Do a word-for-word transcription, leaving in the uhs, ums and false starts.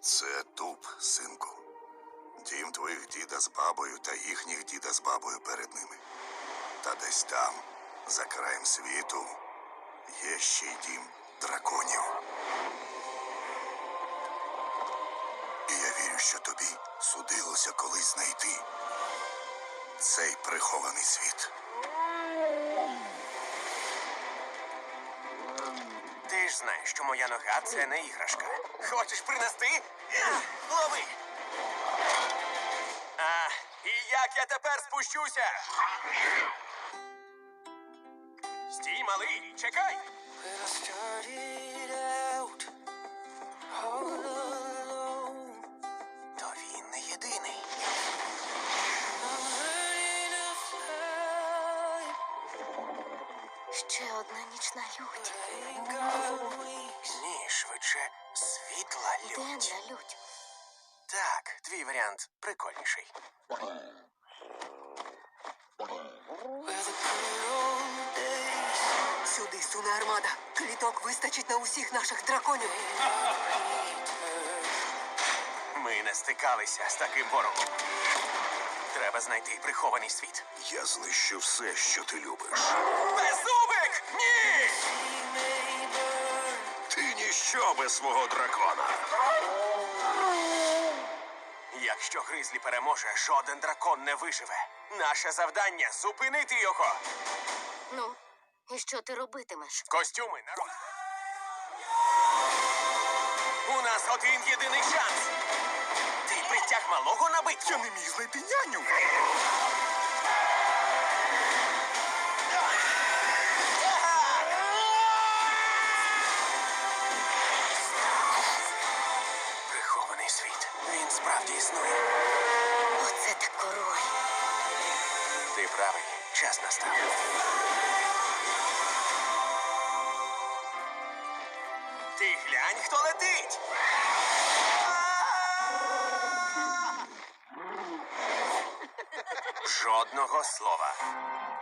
Це туп, синку. Дім твоїх діда з бабою та їхніх діда з бабою перед ними. Та десь там, за краєм світу, є ще й дім драконів. І я вірю, що тобі судилося колись знайти цей прихований світ. Ти ж знаєш, що моя нога – це не іграшка. Хочеш принести? Лови! А, і як я тепер спущуся? Стій, малий, чекай! То він не єдиний. Ще одна нічна лють. Ні, швидше, світла лють. Денна лють. Так, твій варіант прикольніший. Сюди суне армада. Кліток вистачить на усіх наших драконів. Ми не стикалися з таким ворогом. Треба знайти прихований світ. Я знищу все, що ти любиш. Беззубик! Ні! Ти ніщо без свого дракона. Якщо Гризлі переможе, жоден дракон не виживе. Наше завдання – зупинити його. Ну, і що ти робитимеш? Костюми, народ. У нас один єдиний шанс. Ти притяг малого на битву. Я не міг знайти няню. Прихований світ. Він справді існує. Оце так король. Ти правий. Час настав. Ти глянь, хто летить! Жодного слова.